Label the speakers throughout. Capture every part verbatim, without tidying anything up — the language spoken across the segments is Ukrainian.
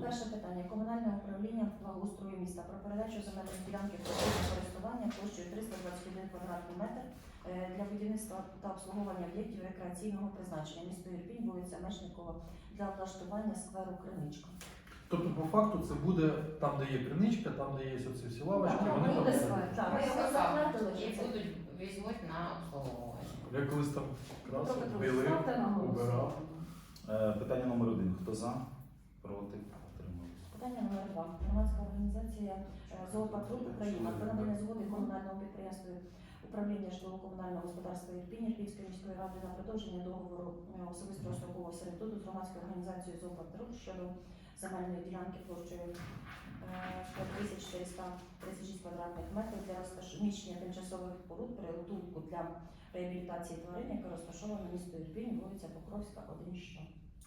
Speaker 1: Перше питання. Комунальне управління благоустрою міста про передачу земельної ділянки постійного користування площею триста двадцять один квадратний метр е, для будівництва та обслуговування об'єктів рекреаційного призначення. Місто Ірпінь, вулиця Мечникова, для облаштування скверу Криничка.
Speaker 2: Тобто, по факту, це буде там, де є криничка, там, де є оці всі лавочки,
Speaker 1: Так,
Speaker 2: вони
Speaker 1: буде
Speaker 2: там.
Speaker 1: сквер. Так, ми його
Speaker 3: Сказав,
Speaker 1: затвердили,
Speaker 3: і
Speaker 1: що це-
Speaker 3: будуть візьмуть на обслуговування.
Speaker 2: Я колись там
Speaker 1: Петро
Speaker 2: красив,
Speaker 1: Петрович,
Speaker 2: білив,
Speaker 1: ставте на
Speaker 2: убирав.
Speaker 1: голосування.
Speaker 4: Е, Питання номер один. Хто за? Проти? Утримались.
Speaker 1: Питання номер два. Громадська організація е, «Зоопатруль Україна» про надання згоди комунальному підприємству управління житлово-комунального господарства Ірпінь Ірпінської міської ради на продовження договору е, особистого строкового сервітуту з громадською організацією «Зоопатруль» щодо земельної ділянки площею п'ять тисяч чотириста тридцять шість квадратних метрів для розміщення тимчасових споруд притулку для реабілітації тварин, яка розташована в місто Ірпінь, вулиця Покровська, один що.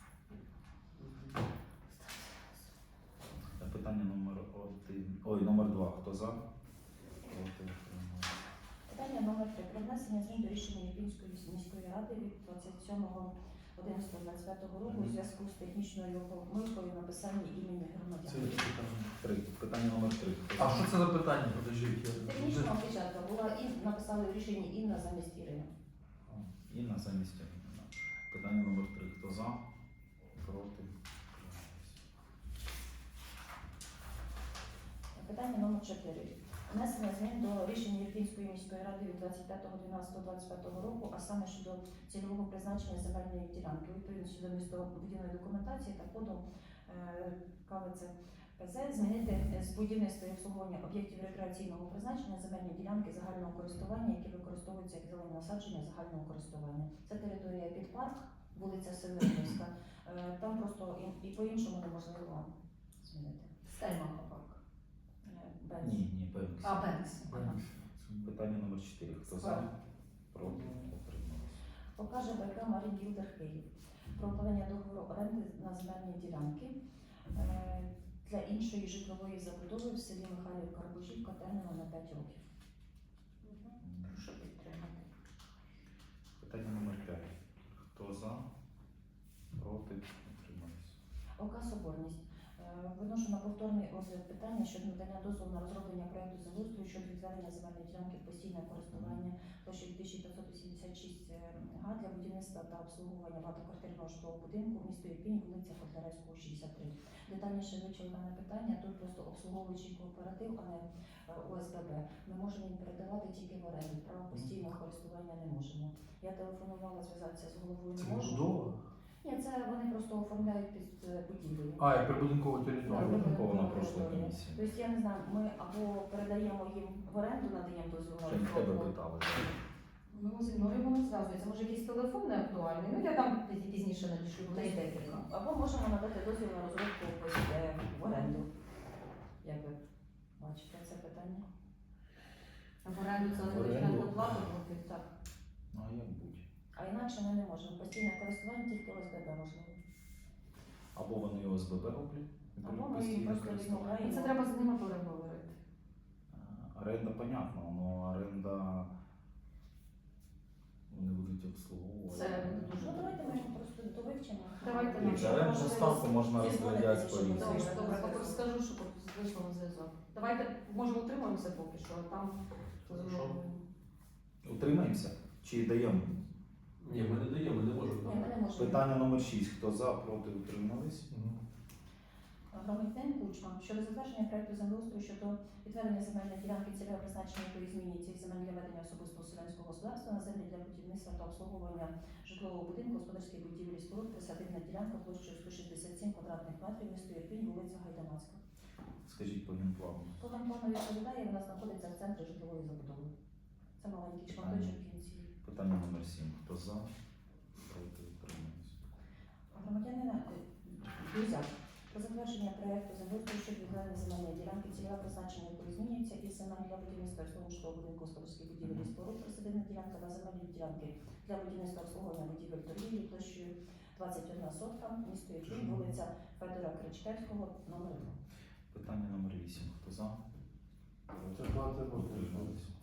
Speaker 4: Е, Питання номер один. Ой, номер два. Хто за? Проти? Утримались.
Speaker 1: Питання номер три. Про внесення змін до рішення Ірпінської міської ради від двадцять сьомого одинадцятого двадцять п'ятого року у зв'язку з технічною помилкою в написанні імені
Speaker 2: Це
Speaker 1: громадян.
Speaker 2: є питання.
Speaker 4: Три. Питання номер три. Хто
Speaker 2: А
Speaker 4: за?
Speaker 2: що це за питання? Подождіть. я-
Speaker 1: Технічна опечатка була і написали в рішенні Інна замість Ірини.
Speaker 4: Інна замість Ірини. Питання номер три. Хто за? Проти? Утримались.
Speaker 1: Питання номер чотири. Внесення змін до рішення Ірпінської міської ради від двадцять п'ятого дванадцятого двадцять п'ятого року, а саме щодо цільового призначення земельної ділянки. Відповідно до містобудівної документації та коду е, КВЦ ПЗ змінити з будівництва і обслуговування об'єктів рекреаційного призначення земельні ділянки загального користування, які використовуються як зелені насадження загального користування. Це територія під парк, вулиця Северинівська. Е, Там просто і, і по-іншому неможливо змінити.
Speaker 3: Стельмаха парк.
Speaker 1: Е, без-
Speaker 4: Ні, ні, Бенкс.
Speaker 3: А, Бенкс. Ага.
Speaker 4: Питання номер чотири. Хто за?
Speaker 1: Складно.
Speaker 4: Проти? Утримались.
Speaker 1: Покаже БК Марін Гілдер Київ про укладення договору оренди на земельні ділянки е, для іншої житлової забудови в селі Михайлів Карбужівка терміном на п'ять років.
Speaker 3: Прошу підтримати.
Speaker 4: Питання номер п'ять. Хто за? Проти? Утримались.
Speaker 1: ОК Соборність. Е, Виношу на повторний розгляд питання щодо надання дозволу на розроблення проєкту землеустрою щодо відведення земельної ділянки в постійне користування площею тисяча п'ятсот вісімдесят шість га для будівництва та обслуговування багатоквартирного житлового будинку в місто Ірпінь, вулиця Котляревського, шістдесят три. Детальніше вивчили дане питання. Тут просто обслуговуючий кооператив, а не е, ОСББ. Ми можемо їм передавати тільки в оренду. Право постійного користування не можемо. Я телефонувала зв'язатися з головою.
Speaker 2: Це
Speaker 1: Не можу.
Speaker 2: будова?
Speaker 1: Ні, це вони просто оформляють під е, будівлею.
Speaker 2: А, як прибудинкова територія.
Speaker 1: Так,
Speaker 4: Враховано
Speaker 1: так,
Speaker 4: прошлої
Speaker 1: так.
Speaker 4: комісії.
Speaker 1: Тобто я не знаю, ми або передаємо їм в оренду, надаємо дозвіл на
Speaker 4: Ще й в тебе
Speaker 1: розробку.
Speaker 4: питали.
Speaker 3: Ну, зі мною воно зв'язується. Може, якийсь телефон не актуальний. Ну, я там пізні- пізніше надішлю, в неї декілька.
Speaker 1: Або можемо надати дозвіл на розробку ось, е, в оренду. Як ви бачите це питання?
Speaker 3: В оренду це
Speaker 4: В
Speaker 3: буде
Speaker 4: оренду.
Speaker 3: на плату платити.
Speaker 1: Так.
Speaker 4: Ну, а як будь?
Speaker 1: А інакше ми не можемо. Постійне користування тільки ОСББ можливо.
Speaker 4: Або вони ОСББ роблять, і
Speaker 1: Або ми
Speaker 4: постійне
Speaker 1: їм просто
Speaker 4: користування.
Speaker 1: відмовляємо.
Speaker 3: І це треба з ними переговорити.
Speaker 4: А, Оренда, понятно, але оренда вони будуть обслуговувати.
Speaker 3: Це буде дуже
Speaker 1: Ну давайте ми його просто довивчимо.
Speaker 3: Давайте
Speaker 4: І
Speaker 3: ми
Speaker 1: Якщо
Speaker 4: орендну
Speaker 1: можливо,
Speaker 4: ставку можна
Speaker 1: зізвонитися,
Speaker 4: розглядати
Speaker 1: щоб
Speaker 4: по-різному.
Speaker 3: Добре,
Speaker 1: Звісно,
Speaker 3: добре,
Speaker 1: зв'язок.
Speaker 3: поки скажу, щоб вийшло на зв'язок. Давайте, може, утримуємося поки що, а там
Speaker 2: Хорошо.
Speaker 4: Утримаємося? Чи даємо?
Speaker 5: Ні, ми не даємо, ми не можемо.
Speaker 1: Ні, ми не можемо.
Speaker 4: Питання номер шість. Хто за, проти, утримались?
Speaker 2: Мгм.
Speaker 1: Громадянин Кучма щодо затвердження проекту землеустрою щодо відведення земельної ділянки цільове призначення, якої змінюється із земель для ведення особистого селянського господарства на землі для будівництва та обслуговування житлового будинку, господарських будівель і споруд, присадибна ділянка площею сто шістдесят сім квадратних метрів, місто Ірпінь, вулиця Гайдамацька.
Speaker 4: Скажіть по генплану.
Speaker 1: По генплану відповідає, вона знаходиться в центрі житлової забудови. Це маленький шматочок в кінці.
Speaker 4: Питання номер сім. Хто за, проти, утримались?
Speaker 1: Громадянина Друзяк про затвердження проєкту землеустрою щодо відведення земельної ділянки, цільове призначення якої змінюється із земель для будівництва житлового будинку, господарських будівель і споруд, присадибна ділянка на земельні ділянки для будівництва обслуговування будівель торгівлі площею двадцять одна сотка, місто Ірпінь, вулиця Федора Кричкевського, номер два.
Speaker 4: Питання номер вісім. Хто за?
Speaker 5: Це плати
Speaker 4: Утримались?